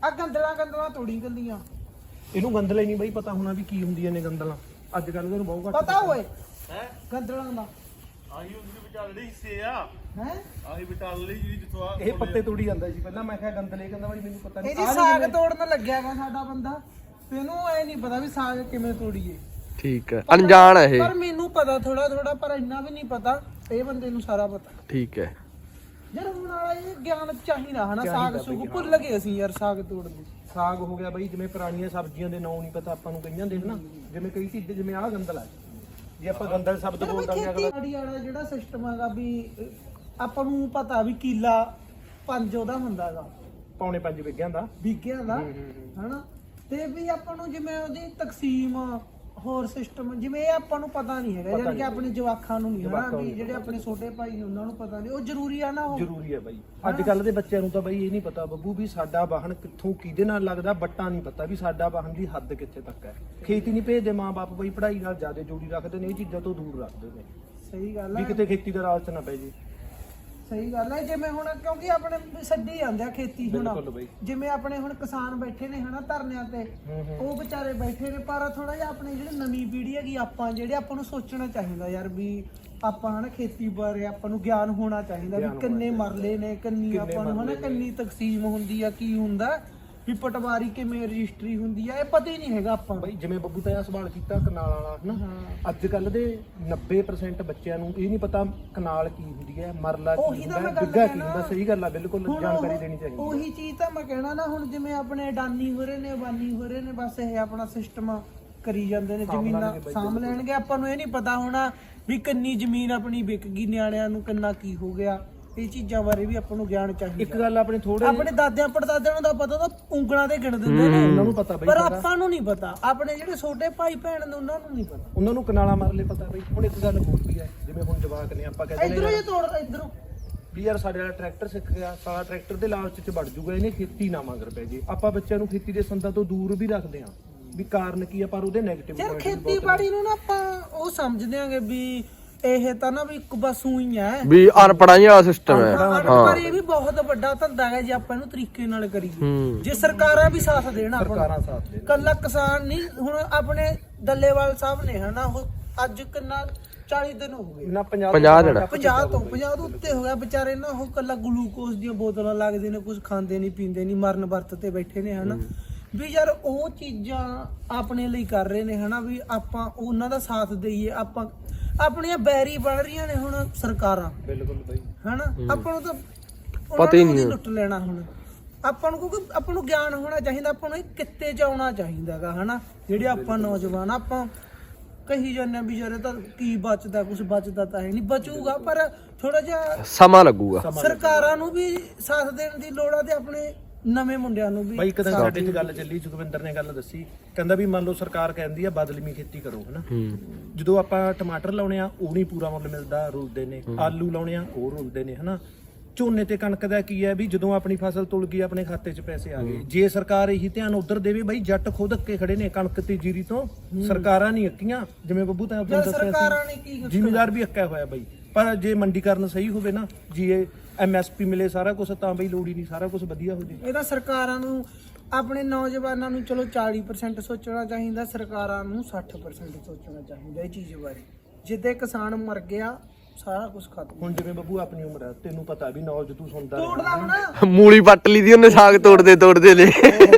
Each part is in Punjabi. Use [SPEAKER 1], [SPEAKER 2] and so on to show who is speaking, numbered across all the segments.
[SPEAKER 1] ਆ ਗੰਦਲਾਂ ਤੋੜੀ ਗੰਦੀਆਂ
[SPEAKER 2] ਇਹਨੂੰ ਗੰਦਲੇ ਨਹੀਂ ਬਈ ਪਤਾ ਹੋਣਾ ਵੀ ਕੀ ਹੁੰਦੀਆਂ ਨੇ ਗੰਦਲਾਂ ਅੱਜ ਕੱਲ ਇਹਨੂੰ ਬਹੁਤ ਘੱਟ
[SPEAKER 1] ਪਤਾ ਹੋਏ ਹੈ ਗੰਦਲਾਂ ਦਾ
[SPEAKER 3] ਆਹੀ ਉਹਦੇ ਵਿਚਾਲੇ ਹਿੱਸੇ ਆ
[SPEAKER 1] ਹੈ
[SPEAKER 3] ਆਹੀ ਵਿਚਾਲੇ ਜਿਹੜੀ ਜਿੱਥੋਂ ਆ
[SPEAKER 2] ਇਹ ਪੱਤੇ ਤੋੜੀ ਜਾਂਦਾ ਸੀ ਪਹਿਲਾਂ ਮੈਂ ਕਿਹਾ ਗੰਦਲੇ ਕਹਿੰਦਾ ਬਾਈ ਮੈਨੂੰ ਪਤਾ ਨਹੀਂ
[SPEAKER 1] ਇਹਦੀ ਸਾਗ ਤੋੜਨ ਲੱਗਿਆ ਵਾ ਸਾਡਾ ਬੰਦਾ ਤੈਨੂੰ ਐ ਨਹੀਂ ਪਤਾ ਵੀ ਸਾਗ ਕਿਵੇਂ ਤੋੜੀਏ
[SPEAKER 4] ਠੀਕ ਹੈ ਅਣਜਾਣ ਹੈ ਇਹ
[SPEAKER 1] ਪਰ ਮੈਨੂੰ ਪਤਾ ਥੋੜਾ ਪਰ ਇੰਨਾ ਵੀ ਨਹੀਂ ਪਤਾ ਇਹ ਬੰਦੇ ਨੂੰ ਸਾਰਾ ਪਤਾ
[SPEAKER 4] ਠੀਕ ਹੈ
[SPEAKER 1] ਯਾਰ ਹੁਣ ਵਾਲਾ ਇਹ ਗਿਆਨ ਚਾਹੀਦਾ ਹਨਾ ਸਾਗ ਸੁਗ ਭੁੱਲ ਗਏ ਅਸੀਂ ਯਾਰ ਸਾਗ ਤੋੜਦੇ
[SPEAKER 2] ਸਾਗ ਹੋ ਗਿਆ ਬਈ ਜਿਵੇਂ ਪੁਰਾਣੀਆਂ ਸਬਜ਼ੀਆਂ ਦੇ ਨਾਂ ਨਹੀਂ ਪਤਾ ਆਪਾਂ ਨੂੰ ਕਈਆਂ ਦੇ ਹਨਾ ਜਿਵੇਂ ਕਈ ਚੀਜ਼ਾਂ ਜਿਵੇਂ ਆਹ ਗੰਦਲ ਆ ਜੇ ਆਪਾਂ ਗੰਦਲ ਸ਼ਬਦ ਬੋਲ ਦਾਂਗੇ ਅਗਲਾ
[SPEAKER 1] ਖੇਤੀਬਾੜੀ ਵਾਲਾ ਜਿਹੜਾ ਸਿਸਟਮ ਹੈਗਾ ਵੀ ਆਪਾਂ ਨੂੰ ਪਤਾ ਵੀ ਕਿੱਲਾ 5 ਉਹਦਾ ਹੁੰਦਾ ਹੈਗਾ
[SPEAKER 2] ਪੌਣੇ 5 ਵਿਗਿਆਂ ਦਾ
[SPEAKER 1] ਵਿਗਿਆਂ ਦਾ ਹਨਾ ਤੇ ਵੀ ਆਪਾਂ ਨੂੰ ਜਿਵੇਂ ਉਹਦੀ ਤਕਸੀਮ ਹੋਰ ਸਿਸਟਮ ਜਿਵੇਂ ਇਹ ਆਪਾਂ ਨੂੰ ਪਤਾ ਨਹੀਂ ਹੈਗਾ ਯਾਨੀ ਕਿ ਆਪਣੇ ਜਵਾਕਾਂ ਨੂੰ ਨਹੀਂ ਹਨਾ ਵੀ ਜਿਹੜੇ ਆਪਣੇ ਛੋਟੇ ਭਾਈ ਨੇ ਉਹਨਾਂ ਨੂੰ ਪਤਾ ਨਹੀਂ ਉਹ ਜ਼ਰੂਰੀ ਆ ਨਾ ਉਹ
[SPEAKER 2] ਜ਼ਰੂਰੀ ਹੈ ਬਾਈ ਅੱਜ ਕੱਲ ਦੇ ਬੱਚਿਆਂ ਨੂੰ ਤਾਂ ਬਾਈ ਇਹ ਨਹੀਂ ਪਤਾ ਬੱਬੂ ਵੀ ਸਾਡਾ ਵਾਹਨ ਕਿੱਥੋਂ ਕਿਹਦੇ ਨਾਲ ਲੱਗਦਾ ਬੱਟਾ ਨਹੀਂ ਪਤਾ ਵੀ ਸਾਡਾ ਵਾਹਨ ਦੀ ਹੱਦ ਕਿੱਥੇ ਤੱਕ ਹੈ ਖੇਤੀ ਨਹੀਂ ਭੇਜਦੇ ਮਾਂ-ਬਾਪ ਬਈ ਪੜ੍ਹਾਈ ਨਾਲ ਜ਼ਿਆਦਾ ਜੋੜੀ ਰੱਖਦੇ ਨੇ ਇਹ ਚੀਜ਼ਾਂ ਤੋਂ ਦੂਰ ਰੱਖਦੇ ਨੇ
[SPEAKER 1] ਸਹੀ ਗੱਲ
[SPEAKER 2] ਵੀ
[SPEAKER 1] ਹੈ
[SPEAKER 2] ਕਿਤੇ ਖੇਤੀ ਦਾ ਰਾਜ ਚ ਨਾ ਪੈ ਜੇ
[SPEAKER 1] ਸਹੀ ਗੱਲ ਹੈ ਜਿਵੇਂ ਹੁਣ ਕਿਉਂਕਿ ਆਪਣੇ ਛੱਡੀ ਜਾਂਦੇ ਆ ਖੇਤੀ ਹੁਣ
[SPEAKER 2] ਬਿਲਕੁਲ ਬਈ
[SPEAKER 1] ਜਿਵੇਂ ਆਪਣੇ ਹੁਣ ਕਿਸਾਨ ਬੈਠੇ ਨੇ ਹਨਾ ਧਰਨਿਆਂ ਤੇ ਉਹ ਵਿਚਾਰੇ ਬੈਠੇ ਨੇ ਪਰ ਥੋੜਾ ਜਿਹਾ ਆਪਣੇ ਜਿਹੜੇ ਨਵੀਂ ਪੀੜ੍ਹੀ ਹੈਗੀ ਆਪਾਂ ਜਿਹੜੇ ਆਪਾਂ ਨੂੰ ਸੋਚਣਾ ਚਾਹੀਦਾ ਯਾਰ ਵੀ ਆਪਾਂ ਹਨਾ ਖੇਤੀ ਬਾਰੇ ਆਪਾਂ ਨੂੰ ਗਿਆਨ ਹੋਣਾ ਚਾਹੀਦਾ ਵੀ ਕਿੰਨੇ ਮਰਲੇ ਨੇ ਕਿੰਨੀ ਆਪਾਂ ਨੂੰ ਹਨਾ ਕਿੰਨੀ ਤਕਸੀਮ ਹੁੰਦੀ ਆ ਕੀ ਹੁੰਦਾ ਵੀ ਪਟਵਾਰੀ ਕਿਵੇਂ ਰਜਿਸਟਰੀ ਹੁੰਦੀ ਆ ਇਹ ਪਤਾ ਹੀ ਨਹੀਂ ਹੈਗਾ ਆਪਾਂ ਨੂੰ
[SPEAKER 2] ਬਈ ਜਿਵੇਂ ਬੱਬੂ ਤਾਂ ਇਹ ਸਵਾਲ ਕੀਤਾ ਕਨਾਲ ਵਾਲਾ ਹਨਾ ਅੱਜ ਕੱਲ ਦੇ 90% ਬੱਚਿਆਂ ਨੂੰ ਇਹ ਨਹੀਂ ਪਤਾ ਕਨਾਲ ਕੀ ਹੁੰਦੀ ਹੈ ਮਰਲਾ ਕੀ ਹੁੰਦਾ ਬਿੱਗਾ ਕੀ ਹੁੰਦਾ ਸਹੀ ਗੱਲ ਆ ਬਿਲਕੁਲ ਜਾਣਕਾਰੀ ਦੇਣੀ ਚਾਹੀਦੀ
[SPEAKER 1] ਉਹੀ ਚੀਜ਼ ਤਾਂ ਮੈਂ ਕਹਿਣਾ ਨਾ ਹੁਣ ਜਿਵੇਂ ਆਪਣੇ ਅਡਾਨੀ ਹੋ ਰਹੇ ਨੇ ਬਾਨੀ ਹੋ ਰਹੇ ਨੇ ਬਸ ਇਹ ਆਪਣਾ ਸਿਸਟਮ ਕਰੀ ਜਾਂਦੇ ਨੇ ਜ਼ਮੀਨਾਂ ਸਾਂਭ ਲੈਣਗੇ ਆਪਾਂ ਨੂੰ ਇਹ ਨਹੀਂ ਪਤਾ ਹੋਣਾ ਵੀ ਕਿੰਨੀ ਜ਼ਮੀਨ ਆਪਣੀ ਵਿਕ ਗਈ ਨਿਆਣਿਆਂ ਨੂੰ ਕਿੰਨਾ ਕੀ ਹੋ ਗਿਆ ਇਹ ਚੀਜ਼ਾਂ ਬਾਰੇ ਵੀ ਆਪਾਂ ਨੂੰ ਗਿਆਨ ਚਾਹੀਦਾ
[SPEAKER 2] ਇੱਕ ਗੱਲ ਆਪਣੇ ਥੋੜੇ
[SPEAKER 1] ਆਪਣੇ ਦਾਦਿਆਂ ਪੜਦਾਦਿਆਂ ਨੂੰ ਤਾਂ ਪਤਾ ਤਾਂ ਉਂਗਲਾਂ ਤੇ ਗਿਣ ਦਿੰਦੇ ਨੇ
[SPEAKER 2] ਉਹਨਾਂ ਨੂੰ ਪਤਾ ਬਈ
[SPEAKER 1] ਪਰ ਆਪਾਂ ਨੂੰ ਨਹੀਂ ਪਤਾ ਆਪਣੇ ਜਿਹੜੇ ਛੋਟੇ ਭਾਈ ਭੈਣ ਨੇ ਉਹਨਾਂ ਨੂੰ ਨਹੀਂ ਪਤਾ
[SPEAKER 2] ਉਹਨਾਂ ਨੂੰ ਕਨਾਲਾ ਮਰਲੇ ਪਤਾ ਬਈ ਹੁਣ ਇੱਕ ਗੱਲ ਹੋਰ ਵੀ ਹੈ ਜਿਵੇਂ ਹੁਣ ਜਵਾਕ ਨੇ ਆਪਾਂ ਕਹਿੰਦੇ
[SPEAKER 1] ਇਧਰੋਂ ਇਹ ਤੋੜ ਇਧਰੋਂ
[SPEAKER 2] ਵੀ ਯਾਰ ਸਾਡੇ ਵਾਲਾ ਟਰੈਕਟਰ ਸਿੱਖ ਗਿਆ ਸਾਰਾ ਟਰੈਕਟਰ ਦੇ ਲਾਲਚ ਚ ਵੜ ਜੂਗਾ ਇਹਨੇ ਖੇਤੀ ਨਾ ਮੰਗਰ ਪੈ ਜੇ ਆਪਾਂ ਬੱਚਿਆਂ ਨੂੰ ਖੇਤੀ ਦੇ ਸੰਦਾਂ ਤੋਂ ਦੂਰ ਵੀ ਰੱਖਦੇ ਆਂ ਵੀ ਕਾਰਨ ਕੀ ਆ ਪਰ ਉਹਦੇ ਨੈਗੇਟਿਵ
[SPEAKER 1] ਯਾਰ ਖੇਤੀਬਾੜੀ ਨੂੰ ਨਾ ਆਪਾਂ ਉਹ ਸਮਝਦੇ ਆਂਗੇ ਵੀ ਇਹ ਤਾਂ ਨਾ ਵੀ ਇੱਕ ਬਸ ਉਹੀ ਹੈ
[SPEAKER 4] ਵੀ ਅਨਪੜਾਈ ਵਾਲਾ ਸਿਸਟਮ ਹੈ
[SPEAKER 1] ਪਰ ਇਹ ਵੀ ਬਹੁਤ ਵੱਡਾ ਧੰਦਾ ਹੈ ਜੇ ਆਪਾਂ ਇਹਨੂੰ ਤਰੀਕੇ ਨਾਲ ਕਰੀਏ ਜੇ ਸਰਕਾਰਾਂ ਵੀ ਸਾਥ ਦੇਣ ਆਪਾਂ
[SPEAKER 2] ਸਰਕਾਰਾਂ ਸਾਥ ਦੇ
[SPEAKER 1] ਕੱਲਾ ਕਿਸਾਨ ਨਹੀਂ ਹੁਣ ਆਪਣੇ ਦੱਲੇਵਾਲ ਸਾਹਿਬ ਨੇ ਹਨਾ ਉਹ ਅੱਜ ਕਿੰਨਾ 40 ਦਿਨ ਹੋ ਗਏ
[SPEAKER 2] ਨਾ 50
[SPEAKER 1] 50 ਤੋਂ ਉੱਤੇ ਹੋ ਗਿਆ ਵਿਚਾਰੇ ਨਾ ਉਹ ਕੱਲਾ ਗਲੂਕੋਜ਼ ਦੀਆਂ ਬੋਤਲਾਂ ਲੱਗਦੇ ਨੇ ਕੁਝ ਖਾਂਦੇ ਨਹੀਂ ਪੀਂਦੇ ਨਹੀਂ ਮਰਨ ਵਰਤ ਤੇ ਬੈਠੇ ਨੇ ਹਨਾ ਵੀ ਯਾਰ ਉਹ ਚੀਜ਼ਾਂ ਆਪਣੇ ਲਈ ਕਰ ਰਹੇ ਨੇ ਹਨਾ ਵੀ ਆਪਾਂ ਉਹਨਾਂ ਦਾ ਸਾਥ ਦਈਏ ਆਪਾਂ ਆਪਣੀਆਂ ਬੈਰੀ ਬਣ ਰਹੀਆਂ ਨੇ ਹੁਣ ਸਰਕਾਰਾਂ
[SPEAKER 2] ਬਿਲਕੁਲ ਬਈ
[SPEAKER 1] ਹਨਾ ਆਪਾਂ ਨੂੰ ਤਾਂ
[SPEAKER 4] ਪਤਾ ਹੀ ਨਹੀਂ
[SPEAKER 1] ਲੁੱਟ ਲੈਣਾ ਹੁਣ ਆਪਾਂ ਨੂੰ ਕਿਉਂਕਿ ਆਪਾਂ ਨੂੰ ਗਿਆਨ ਹੋਣਾ ਚਾਹੀਦਾ ਆਪਾਂ ਨੂੰ ਕਿੱਤੇ ਚ ਆਉਣਾ ਚਾਹੀਦਾਗਾ ਹਨਾ ਜਿਹੜੇ ਆਪਾਂ ਨੌਜਵਾਨ ਆਪਾਂ ਕਹੀ ਜਾਂਦੇ ਵੀ ਯਾਰ ਤਾਂ ਕੀ ਬਚਦਾ ਕੁਝ ਬਚਦਾ ਤਾਂ ਹੈ ਨਹੀਂ ਬਚੂਗਾ ਪਰ ਥੋੜਾ ਜਿਹਾ
[SPEAKER 4] ਸਮਾਂ ਲੱਗੂਗਾ
[SPEAKER 1] ਸਰਕਾਰਾਂ ਨੂੰ ਵੀ ਸਾਥ ਦੇਣ ਦੀ ਲੋੜ ਆ ਤੇ ਆਪਣੇ ਨਵੇਂ ਮੁੰਡਿਆਂ ਨੂੰ ਵੀ
[SPEAKER 2] ਬਾਈ ਇੱਕ ਦਿਨ ਸਾਡੇ 'ਚ ਗੱਲ ਚੱਲੀ ਜੁਗਵਿੰਦਰ ਨੇ ਗੱਲ ਦੱਸੀ ਕਹਿੰਦਾ ਵੀ ਮੰਨ ਲਓ ਸਰਕਾਰ ਕਹਿੰਦੀ ਆ ਬਦਲਵੀਂ ਖੇਤੀ ਕਰੋ ਹਨਾ ਜਦੋਂ ਆਪਾਂ ਟਮਾਟਰ ਲਾਉਣੇ ਆ ਉਹ ਨਹੀਂ ਪੂਰਾ ਮੁੱਲ ਮਿਲਦਾ ਰੁਲਦੇ ਨੇ ਆਲੂ ਲਾਉਣੇ ਆ ਉਹ ਰੁਲਦੇ ਨੇ ਹਨਾ ਝੋਨੇ ਤੇ ਕਣਕ ਦਾ ਕੀ ਹੈ ਵੀ ਜਦੋਂ ਆਪਣੀ ਫਸਲ ਤੁਲ ਗਈ ਆਪਣੇ ਖਾਤੇ 'ਚ ਪੈਸੇ ਆ ਗਏ ਜੇ ਸਰਕਾਰ ਇਹੀ ਧਿਆਨ ਉਧਰ ਦੇਵੇ ਬਾਈ ਜੱਟ ਖੁਦ ਅੱਕੇ ਖੜੇ ਨੇ ਕਣਕ ਤੇ ਜੀਰੀ ਤੋਂ ਸਰਕਾਰਾਂ ਨਹੀਂ ਅੱਕੀਆਂ ਜਿਵੇਂ ਬੱਬੂ ਤਾਂ ਆਪਾਂ ਦੱਸਿਆ
[SPEAKER 1] ਸਰਕਾਰਾਂ ਨੇ ਕੀ
[SPEAKER 2] ਜ਼ਿਮੀਦਾਰ ਵੀ ਅੱਕਿਆ ਹੋਇਆ ਬਾਈ ਪਰ ਜੇ ਮੰਡੀਕਰਨ ਸਹੀ ਹੋਵੇ ਨਾ ਜੀ MSP ਮਿਲੇ ਸਾਰਾ ਕੁਝ ਤਾਂ ਬਈ ਲੋੜ ਹੀ ਨਹੀਂ ਸਾਰਾ ਕੁਝ ਵਧੀਆ ਹੋ ਜੇ
[SPEAKER 1] ਇਹ ਤਾਂ ਸਰਕਾਰਾਂ ਨੂੰ ਆਪਣੇ ਨੌਜਵਾਨਾਂ ਨੂੰ ਚਲੋ 40% ਸੋਚਣਾ ਚਾਹੀਦਾ ਸਰਕਾਰਾਂ ਨੂੰ 60% ਸੋਚਣਾ ਚਾਹੀਦਾ ਇਹ ਚੀਜ਼ ਬਾਰੇ ਜਿੱਦੇ ਕਿਸਾਨ ਮਰ ਗਿਆ ਸਾਰਾ ਕੁਝ ਖਤਮ
[SPEAKER 2] ਹੁਣ ਜਿਵੇਂ ਬੱਬੂ ਆਪਣੀ ਉਮਰ ਹੈ ਤੈਨੂੰ ਪਤਾ ਵੀ ਨੌਜ ਤੂੰ ਸੁਣਦਾ
[SPEAKER 1] ਤੋੜਦਾ ਹੁਣ
[SPEAKER 4] ਮੂਲੀ ਪੱਟ ਲਈ ਦੀ ਉਹਨੇ ਸਾਗ ਤੋੜਦੇ ਲੈ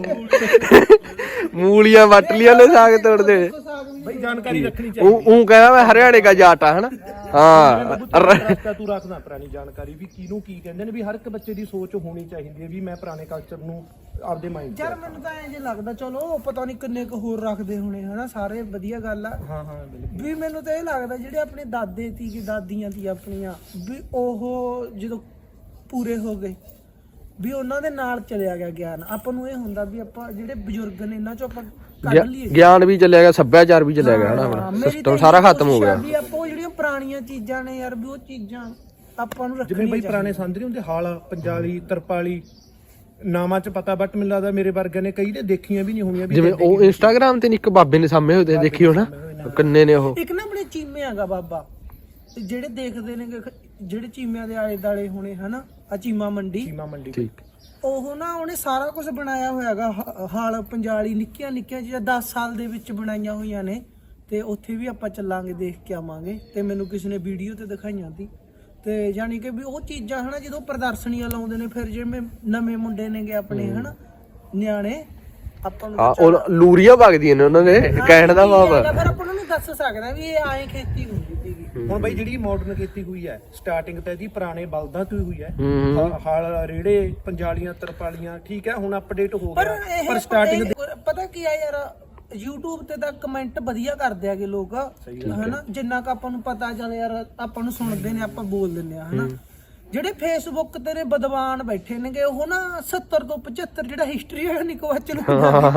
[SPEAKER 4] ਮੂਲੀਆਂ ਵੱਟ ਲੀਆਂ ਨੇ ਸਾਗ ਤੋੜਦੇ
[SPEAKER 2] ਬਈ ਜਾਣਕਾਰੀ ਰੱਖਣੀ ਚਾਹੀਦੀ
[SPEAKER 4] ਉਹ ਕਹਿੰਦਾ ਮੈਂ ਹਰਿਆਣੇ ਦਾ ਜਾਟ ਆ ਹਨਾ ਹਾਂ
[SPEAKER 2] ਤੂੰ ਰੱਖਦਾ ਪੁਰਾਣੀ ਜਾਣਕਾਰੀ ਵੀ ਕਿਹਨੂੰ ਕੀ ਕਹਿੰਦੇ ਨੇ ਵੀ ਹਰ ਇੱਕ ਬੱਚੇ ਦੀ ਸੋਚ ਹੋਣੀ ਚਾਹੀਦੀ ਹੈ ਵੀ ਮੈਂ ਪੁਰਾਣੇ ਕਲਚਰ ਨੂੰ ਆਪਦੇ ਮਾਈਂਡ
[SPEAKER 1] ਯਾਰ ਮੈਨੂੰ ਤਾਂ ਐਂ ਜੇ ਲੱਗਦਾ ਚਲੋ ਪਤਾ ਨਹੀਂ ਕਿੰਨੇ ਕੁ ਹੋਰ ਰੱਖਦੇ ਹੋਣੇ ਹਨਾ ਸਾਰੇ ਵਧੀਆ ਗੱਲ ਆ
[SPEAKER 2] ਹਾਂ ਬਿਲਕੁਲ
[SPEAKER 1] ਵੀ ਮੈਨੂੰ ਤਾਂ ਇਹ ਲੱਗਦਾ ਜਿਹੜੇ ਆਪਣੇ ਦਾਦੇ ਸੀ ਕਿ ਦਾਦੀਆਂ ਸੀ ਆਪਣੀਆਂ ਵੀ ਉਹ ਜਦੋਂ ਪੂਰੇ ਹੋ ਗਏ ਵੀ ਉਹਨਾਂ ਦੇ ਨਾਲ ਚਲਿਆ ਗਿਆ ਗਿਆਨ ਆਪਾਂ ਨੂੰ ਇਹ ਹੁੰਦਾ ਵੀ ਆਪਾਂ ਜਿਹੜੇ ਬਜ਼ੁਰਗ ਨੇ ਇਹਨਾਂ ਚੋਂ ਆਪਾਂ ਕੱਢ ਲਈਏ
[SPEAKER 4] ਗਿਆਨ ਵੀ ਚੱਲਿਆ ਗਿਆ ਸੱਭਿਆਚਾਰ ਵੀ ਚੱਲਿਆ ਗਿਆ ਹਨਾ ਆਪਣਾ ਸਿਸਟਮ ਸਾਰਾ ਖਤਮ ਹੋ ਗਿਆ
[SPEAKER 1] ਵੀ ਆਪਾਂ ਉਹ ਜਿਹੜੀਆਂ ਪੁਰਾਣੀਆਂ ਚੀਜ਼ਾਂ ਨੇ ਯਾਰ ਵੀ ਉਹ ਚੀਜ਼ਾਂ ਆਪਾਂ ਨੂੰ
[SPEAKER 2] ਜਿਵੇਂ ਬਈ ਪੁਰਾਣੇ ਸੰਦ ਨਹੀਂ ਹੁੰਦੇ ਹਾਲ ਪੰਜਾਲੀ ਤਰਪਾਲੀ ਨਾਮਾਂ ਚ ਪਤਾ ਬਟ ਮੈਨੂੰ ਲੱਗਦਾ ਮੇਰੇ ਵਰਗੇ ਨੇ ਕਈ ਤੇ ਦੇਖੀਆਂ ਵੀ ਨਹੀਂ ਹੋਣੀਆਂ ਵੀ
[SPEAKER 4] ਜਿਵੇਂ ਉਹ ਇੰਸਟਾਗ੍ਰਾਮ ਤੇ ਇੱਕ ਬਾਬੇ ਨੇ ਸਾਹਮਣੇ ਹੋਏ ਦੇਖੀ ਹੋਣਾ ਕਿੰਨੇ ਨੇ ਉਹ
[SPEAKER 1] ਇੱਕ ਨਾ ਆਪਣੇ ਚੀਮੇ ਹੈਗਾ ਬਾਬਾ ਜਿਹੜੇ ਦੇਖਦੇ ਨੇ ਜਿਹੜੇ ਚੀਮਿਆਂ ਦੇ ਆਲੇ ਦਾਲੇ ਹੋਣੇ ਹਨਾ ਆ ਚੀਮਾ ਮੰਡੀ
[SPEAKER 4] ਠੀਕ
[SPEAKER 1] ਉਹ ਨਾ ਉਹਨੇ ਸਾਰਾ ਕੁਝ ਬਣਾਇਆ ਹੋਇਆਗਾ ਹਾਲ ਪੰਜਾਲੀ ਨਿੱਕੀਆਂ ਨਿੱਕੀਆਂ ਚੀਜ਼ਾਂ 10 ਸਾਲ ਦੇ ਵਿੱਚ ਬਣਾਈਆਂ ਹੋਈਆਂ ਨੇ ਤੇ ਉੱਥੇ ਵੀ ਆਪਾਂ ਚੱਲਾਂਗੇ ਦੇਖ ਕੇ ਆਵਾਂਗੇ ਤੇ ਮੈਨੂੰ ਕਿਸੇ ਨੇ ਵੀਡੀਓ ਤੇ ਦਿਖਾਈਆਂ ਸੀ ਤੇ ਯਾਨੀ ਕਿ ਵੀ ਉਹ ਚੀਜ਼ਾਂ ਹਨਾ ਜਦੋਂ ਪ੍ਰਦਰਸ਼ਨੀਆਂ ਲਾਉਂਦੇ ਨੇ ਫਿਰ ਜਿਵੇਂ ਨਵੇਂ ਮੁੰਡੇ ਨੇਗੇ ਆਪਣੇ ਹਨਾ ਨਿਆਣੇ ਆਪਾਂ ਨੂੰ
[SPEAKER 4] ਉਹ ਲੂਰੀਆਂ ਵਗਦੀਆਂ ਨੇ ਉਹਨਾਂ ਦੇ ਕਹਿਣ ਦਾ ਭਾਵ
[SPEAKER 1] ਫਿਰ ਆਪਾਂ ਨੂੰ ਦੱਸ ਸਕਦਾ ਵੀ ਇਹ ਐਂ ਖੇਤੀ ਹੁੰਦੀ ਸੀਗੀ
[SPEAKER 2] ਹੁਣ ਬਈ ਜਿਹੜੀ ਮਾਡਰਨ ਖੇਤੀ ਹੋਈ ਹੈ ਸਟਾਰਟਿੰਗ ਤਾਂ ਇਹਦੀ ਪੁਰਾਣੇ ਬਲਦਾਂ ਤੋਂ ਹੀ ਹੋਈ ਹੈ ਹਲ ਰੇੜੇ ਪੰਜਾਲੀਆਂ ਤਰਪਾਲੀਆਂ ਠੀਕ ਹੈ ਹੁਣ ਅਪਡੇਟ ਹੋ ਗਿਆ ਪਰ ਸਟਾਰਟਿੰਗ
[SPEAKER 1] ਪਤਾ ਕੀ ਆ ਯਾਰ YouTube ਤੇ ਤਾਂ ਕਮੈਂਟ ਵਧੀਆ ਕਰਦੇ ਆਗੇ ਲੋਕ ਹਨਾ ਜਿੰਨਾ ਕ ਆਪਾਂ ਨੂੰ ਪਤਾ ਚੱਲ ਯਾਰ ਆਪਾਂ ਨੂੰ ਸੁਣਦੇ ਨੇ ਆਪਾਂ ਬੋਲ ਦਿੰਦੇ ਆ ਹਨਾ ਜਿਹੜੇ ਫੇਸਬੁੱਕ ਤੇ ਨੇ ਬਦਵਾਨ ਬੈਠੇ ਨੇਗੇ ਉਹ ਨਾ 70 ਤੋਂ 75 ਜਿਹੜਾ ਹਿਸਟਰੀ ਹੈ ਨਿਕਵਾਚ ਨੂੰ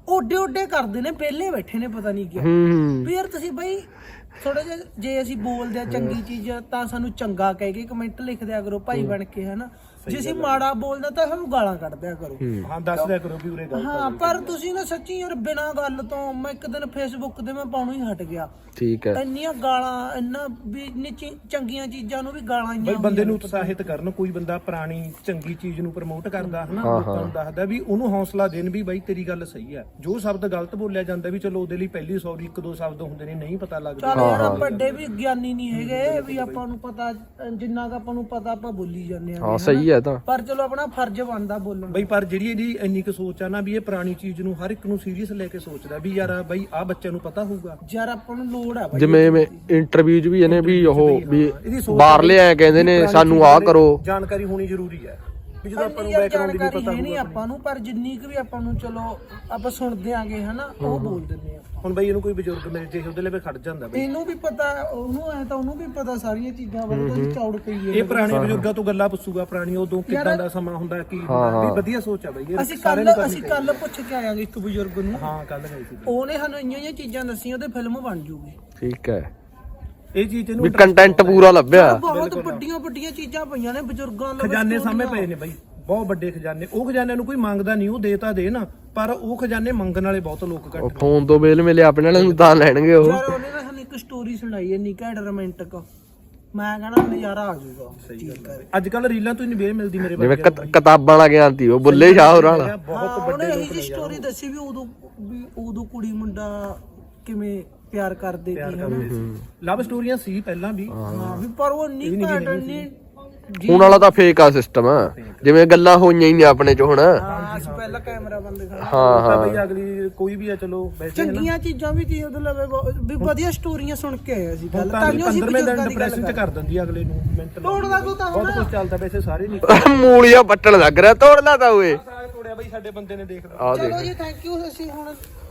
[SPEAKER 1] ਓਡੇ ਕਰਦੇ ਨੇ ਪਹਿਲੇ ਬੈਠੇ ਨੇ ਪਤਾ ਨਹੀਂ ਕਿਉਂ ਵੀ ਯਾਰ ਤੁਸੀਂ ਬਈ ਥੋੜਾ ਜਿਹਾ ਜੇ ਅਸੀਂ ਬੋਲਦੇ ਆ ਚੰਗੀ ਚੀਜ਼ ਤਾਂ ਸਾਨੂੰ ਚੰਗਾ ਕਹਿ ਕੇ ਕਮੈਂਟ ਲਿਖ ਦਿਆ ਕਰੋ ਭਾਈ ਬਣ ਕੇ ਹਨਾ ਜੇ ਅਸੀਂ ਮਾੜਾ ਬੋਲਦਾ ਤਾਂ ਸਾਨੂੰ ਗਾਲਾਂ ਕੱਢ ਦਿਆ ਕਰੋ
[SPEAKER 2] ਹਾਂ ਦੱਸ ਦਿਆ ਕਰੋ ਵੀ ਉਰੇ ਗੱਲ
[SPEAKER 1] ਹਾਂ ਪਰ ਤੁਸੀਂ ਨਾ ਸੱਚੀ ਯਾਰ ਬਿਨਾਂ ਗੱਲ ਤੋਂ ਮੈਂ ਇੱਕ ਦਿਨ ਫੇਸਬੁੱਕ ਤੇ ਮੈਂ ਪਾਉਣੋਂ ਹੀ ਹਟ ਗਿਆ
[SPEAKER 4] ਠੀਕ ਹੈ
[SPEAKER 1] ਇੰਨੀਆਂ ਗਾਲਾਂ ਇੰਨਾ ਵੀ ਇੰਨੀ ਚੰਗੀਆਂ ਚੀਜ਼ਾਂ ਨੂੰ ਵੀ ਗਾਲਾਂ
[SPEAKER 2] ਬਈ ਬੰਦੇ ਨੂੰ ਉਤਸ਼ਾਹਿਤ ਕਰਨ ਕੋਈ ਬੰਦਾ ਪੁਰਾਣੀ ਚੰਗੀ ਚੀਜ਼ ਨੂੰ ਪ੍ਰਮੋਟ ਕਰਦਾ ਹਨਾ ਲੋਕਾਂ ਨੂੰ ਦੱਸਦਾ ਵੀ ਉਹਨੂੰ ਹੌਸਲਾ ਦੇਣ ਵੀ ਬਾਈ ਤੇਰੀ ਗੱਲ ਸਹੀ ਹੈ ਜੋ ਸ਼ਬਦ ਗਲਤ ਬੋਲਿਆ ਜਾਂਦਾ ਵੀ ਚਲੋ ਉਹਦੇ ਲਈ ਪਹਿਲੀ ਸੌਰੀ ਇੱਕ ਦੋ ਸ਼ਬਦ ਹੁੰਦੇ ਨੇ ਨਹੀਂ ਪਤਾ ਲੱਗਦਾ
[SPEAKER 1] ਚੱਲ ਯਾਰ ਵੱਡੇ ਵੀ ਗਿਆਨੀ ਨਹੀਂ ਹੈਗੇ ਵੀ ਆਪਾਂ ਨੂੰ ਪਤਾ ਜਿੰਨਾ ਕ ਆਪਾਂ ਨੂੰ ਪਤਾ ਆਪਾਂ ਬੋਲੀ ਜਾਂਦੇ ਆ
[SPEAKER 4] ਹਾਂ ਸਹੀ ਹੈ ਤਾਂ
[SPEAKER 1] ਪਰ ਚਲੋ ਆਪਣਾ ਫਰਜ਼ ਬਣਦਾ ਬੋਲਣ
[SPEAKER 2] ਬਈ ਪਰ ਜਿਹੜੀ ਇਹਦੀ ਇੰਨੀ ਕੁ ਸੋਚ ਆ ਨਾ ਵੀ ਇਹ ਪੁਰਾਣੀ ਚੀਜ਼ ਨੂੰ ਹਰ ਇੱਕ ਨੂੰ ਸੀਰੀਅਸ ਲੈ ਕੇ ਸੋਚਦਾ ਵੀ ਯਾਰ ਬਈ ਆਹ ਬੱਚਿਆਂ ਨੂੰ ਪਤਾ ਹੋਊਗਾ
[SPEAKER 1] ਯਾਰ ਆਪਾਂ ਨੂੰ ਲੋੜ ਆ
[SPEAKER 4] ਜਿਵੇਂ ਇੰਟਰਵਿਊ 'ਚ ਵੀ ਇਹਨੇ ਵੀ ਉਹ ਵੀ ਬਾਹਰਲੇ ਆਏ ਕਹਿੰਦੇ ਨੇ ਸਾਨੂੰ ਆਹ ਕਰੋ
[SPEAKER 2] ਜਾਣਕਾਰੀ ਹੋਣੀ ਜ਼ਰੂਰੀ ਹੈ ਵੀ ਜਦੋਂ ਆਪਾਂ ਨੂੰ ਬੈਕਗ੍ਰਾਉਂਡ ਦੀ
[SPEAKER 1] ਜਾਣਕਾਰੀ
[SPEAKER 2] ਪਤਾ
[SPEAKER 1] ਹੈ ਨਹੀਂ ਆਪਾਂ ਨੂੰ ਪਰ ਜਿੰਨੀ ਕੁ ਵੀ ਆਪਾਂ ਨੂੰ ਚਲੋ ਆਪਾਂ ਸੁਣਦੇ ਆਂਗੇ ਹਨਾ ਉਹ ਬੋਲ ਦਿੰਦੇ ਆ
[SPEAKER 2] ਹੁਣ ਬਈ ਇਹਨੂੰ ਕੋਈ ਬਜ਼ੁਰਗ ਮਿਲ ਜੇ ਉਹਦੇ ਲਈ ਖੜ ਜਾਂਦਾ ਬਈ
[SPEAKER 1] ਇਹਨੂੰ ਵੀ ਪਤਾ ਉਹਨੂੰ ਐ ਤਾਂ ਉਹਨੂੰ ਵੀ ਪਤਾ ਸਾਰੀਆਂ ਚੀਜ਼ਾਂ ਬਾਰੇ ਤਾਂ ਚੌੜ ਕਹੀਏ
[SPEAKER 2] ਇਹ ਪੁਰਾਣੇ ਬਜ਼ੁਰਗਾਂ ਤੋਂ ਗੱਲਾਂ ਪੁੱਛੂਗਾ ਪੁਰਾਣੀ ਉਦੋਂ ਕਿੱਦਾਂ ਦਾ ਸਮਾਂ ਹੁੰਦਾ ਕੀ ਹੁੰਦਾ ਵੀ ਵਧੀਆ ਸੋਚ ਆ ਬਈ ਇਹ
[SPEAKER 1] ਅਸੀਂ ਕੱਲ ਪੁੱਛ ਕੇ ਆਇਆਂਗੇ ਇੱਕ ਬਜ਼ੁਰਗ ਨੂੰ
[SPEAKER 2] ਹਾਂ ਕੱਲ ਗਈ ਸੀ
[SPEAKER 1] ਉਹਨੇ ਸਾਨੂੰ ਇੰਨੀਆਂ ਚੀਜ਼ਾਂ ਦੱਸੀਆਂ ਉਹਦੇ ਫਿਲਮ ਬਣ ਜੂਗੀ
[SPEAKER 4] ਠੀਕ ਹੈ
[SPEAKER 2] ਇਹ ਚੀਜ਼
[SPEAKER 4] ਵੀ
[SPEAKER 2] ਇਹਨੂੰ
[SPEAKER 4] ਕੰਟੈਂਟ ਪੂਰਾ ਲੱਭਿਆ
[SPEAKER 1] ਬਹੁਤ ਵੱਡੀਆਂ ਚੀਜ਼ਾਂ ਪਈਆਂ ਨੇ ਬਜ਼ੁਰਗਾਂ ਲਈ
[SPEAKER 2] ਖਜ਼ਾਨੇ ਸਾਹਮਣੇ ਪਏ ਨੇ ਬਈ ਬਹੁਤ ਵੱਡੇ ਖਜ਼ਾਨੇ ਉਹ ਖਜ਼ਾਨਿਆਂ ਨੂੰ ਕੋਈ ਮੰਗਦਾ ਨਹੀਂ ਉਹ ਦੇਤਾ ਦੇ ਨਾ ਪਰ ਉਹ ਖਜ਼ਾਨੇ ਮੰਗਣ ਵਾਲੇ ਬਹੁਤ ਲੋਕ ਘੱਟ
[SPEAKER 4] ਉਹ ਫੋਨ ਤੋਂ ਬੇਲ ਮਿਲੇ ਆਪਣੇ ਵਾਲੇ ਨੂੰ ਤਾਂ ਲੈਣਗੇ ਉਹ
[SPEAKER 1] ਯਾਰ ਉਹਨੇ ਨਾ ਸਾਨੂੰ ਇੱਕ ਸਟੋਰੀ ਸੁਣਾਈ ਇੰਨੀ ਘੈਂਟ ਰੋਮਾਂਟਿਕ ਮੈਂ ਕਹਿੰਦਾ ਨਜ਼ਾਰਾ ਆ ਜਾਊਗਾ
[SPEAKER 2] ਅੱਜ ਕੱਲ ਰੀਲਾਂ ਤੋਂ ਹੀ ਨਹੀਂ ਵੇਲ ਮਿਲਦੀ ਮੇਰੇ
[SPEAKER 4] ਜਿਵੇਂ ਕਿਤਾਬਾਂ ਵਾਲਾ ਗਿਆਨ ਸੀ ਉਹ ਬੁੱਲੇ ਸ਼ਾਹ ਹੋਰਾਂ ਵਾਲਾ
[SPEAKER 2] ਬਹੁਤ
[SPEAKER 1] ਉਹਨੇ ਇਹੀ ਜੀ ਸਟੋਰੀ ਦੱਸੀ ਵੀ ਉਦੋਂ ਕੁੜੀ ਮੁੰਡਾ ਕਿਵੇਂ ਪਿਆਰ ਕਰਦੇ ਸੀ ਹਨਾ
[SPEAKER 2] ਲਵ ਸਟੋਰੀਆਂ ਸੀ ਪਹਿਲਾਂ ਵੀ
[SPEAKER 1] ਹਾਂ ਵੀ ਪਰ ਉਹ ਨਹੀਂ ਘੈਂਟ ਨਹੀਂ
[SPEAKER 4] ਹੁਣ ਵਾਲਾ ਤਾਂ ਫੇਕ ਆ ਸਿਸਟਮ ਜਿਵੇਂ ਗੱਲਾਂ ਹੋਈਆਂ ਹੀ ਨੇ ਆਪਣੇ ਚ ਹੁਣ
[SPEAKER 1] ਹਾਂ ਅਸੀਂ ਪਹਿਲਾਂ ਕੈਮਰਾ ਬੰਦ ਕਰ
[SPEAKER 2] ਤਾਂ ਬਈ ਅਗਲੀ ਕੋਈ ਵੀ ਆ ਚਲੋ ਵੈਸੇ
[SPEAKER 1] ਚੰਗੀਆਂ ਚੀਜ਼ਾਂ ਵੀ ਤੀ ਉਹਦੇ ਲਵੇ ਵੀ ਵਧੀਆ ਸਟੋਰੀਆਂ ਸੁਣ ਕੇ ਆਏ ਅਸੀਂ ਗੱਲ
[SPEAKER 2] ਤਾਂ 15ਵੇਂ ਦਿਨ ਡਿਪਰੈਸ਼ਨ ਚ ਕਰ ਦਿੰਦੀ ਅਗਲੇ ਨੂੰ ਮੈਂਟਲ
[SPEAKER 1] ਤੋੜਦਾ ਤੂੰ ਤਾਂ
[SPEAKER 2] ਬਹੁਤ ਕੁਝ ਚੱਲਦਾ ਵੈਸੇ ਸਾਰੇ ਨਹੀਂ
[SPEAKER 4] ਮੂਲੀਆਂ ਪੱਟਣ ਲੱਗ ਰਿਹਾ ਤੋੜ ਲਾ ਤਾ ਓਏ
[SPEAKER 2] ਤੋੜਿਆ ਬਈ ਸਾਡੇ ਬੰਦੇ ਨੇ ਦੇਖ ਲਓ
[SPEAKER 1] ਚਲੋ ਜੀ ਥੈਂਕ ਯੂ ਅਸੀਂ ਹੁਣ